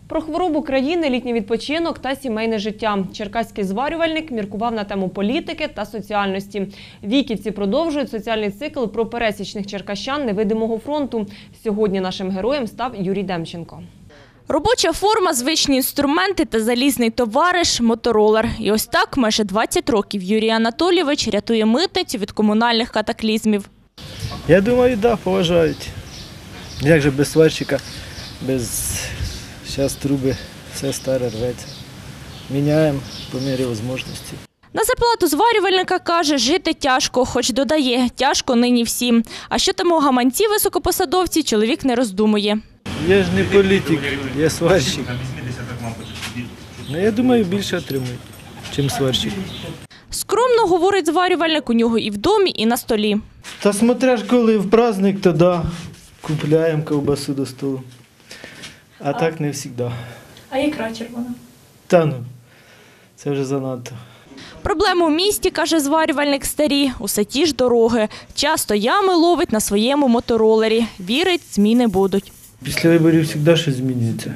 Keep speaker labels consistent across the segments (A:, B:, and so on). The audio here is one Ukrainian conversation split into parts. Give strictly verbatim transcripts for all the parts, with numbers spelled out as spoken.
A: Про хворобу країни, літній відпочинок та сімейне життя. Черкаський зварювальник міркував на тему політики та соціальності. Віківці продовжують соціальний цикл про пересічних черкащан невидимого фронту. Сьогодні нашим героєм став Юрій Демченко.
B: Робоча форма, звичні інструменти та залізний товариш – моторолер. І ось так майже двадцять років Юрій Анатолійович рятує митницю від комунальних катаклізмів.
C: Я думаю, так, да, поважають. Як же без сварщика, без зараз труби, все старе рветься. Міняємо по мірі можливості.
B: На зарплату зварювальника, каже, жити тяжко, хоч додає, тяжко нині всім. А що там у гаманці високопосадовці, чоловік не роздумує.
C: Я ж не політик, я сварщик. Ну, я думаю, більше отримують, ніж сварщик.
B: Скромно, говорить зварювальник, у нього і в домі, і на столі.
C: Та смотря ж коли в праздник, то да, купляємо ковбасу до столу. А, а так не завжди.
B: А ікра червона?
C: Та ну, це вже занадто.
B: Проблеми в місті, каже зварювальник, старі. Усе ті ж дороги. Часто ями ловить на своєму моторолері. Вірить, зміни будуть.
C: Після виборів завжди щось змінюється.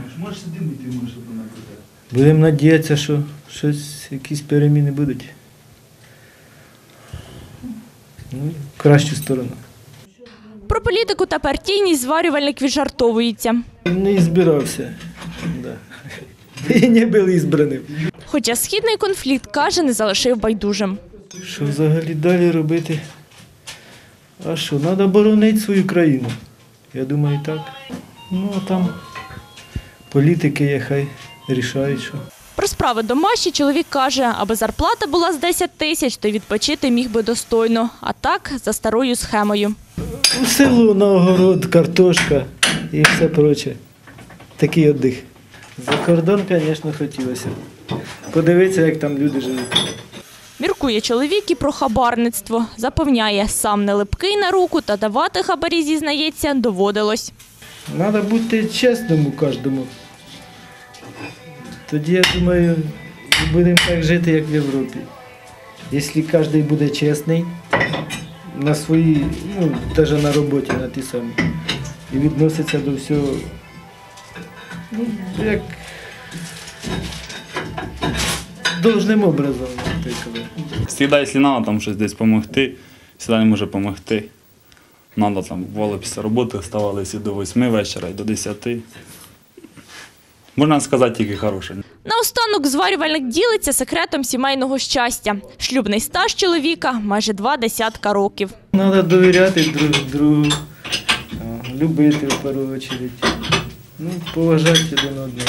C: Будемо сподіватися, що щось, якісь переміни будуть. Ну, в кращу сторону.
B: Про політику та партійність зварювальник віджартовується.
C: Не збирався. Да. І не був ізбраним.
B: Хоча східний конфлікт, каже, не залишив байдужим.
C: Що взагалі далі робити? А що, треба боронити свою країну. Я думаю, так. Ну, а там політики є, хай рішають, що.
B: Про справи домашні чоловік каже, аби зарплата була з десять тисяч, то відпочити міг би достойно. А так, за старою схемою.
C: У село, на огород, картошка і все проче. Такий віддих. За кордон, звісно, хотілося. Подивитися, як там люди живуть.
B: Міркує чоловік і про хабарництво. Запевняє, сам не липкий на руку та давати хабарі, зізнається, доводилось.
C: Треба бути чесним у кожному. Тоді, я думаю, будемо так жити, як в Європі. Якщо кожен буде чесний на своїй, ну, навіть на роботі, на ті самі, і відноситься до всього, ну, як должним образом.
D: Завжди, якщо треба там щось десь допомогти, завжди не може допомогти. Треба там, бувало, після роботи вставалися до восьми вечора і до десяти. Можна сказати, тільки хороше.
B: Наостанок зварювальник ділиться секретом сімейного щастя. Шлюбний стаж чоловіка – майже два десятка років.
C: Треба довіряти друг другу, любити в першу чергу, ну, поважати один одного.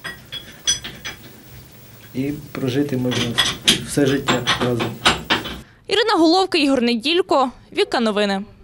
C: І прожити можна все життя разом.
B: Ірина Головка, Ігор Неділько, Віка Новини.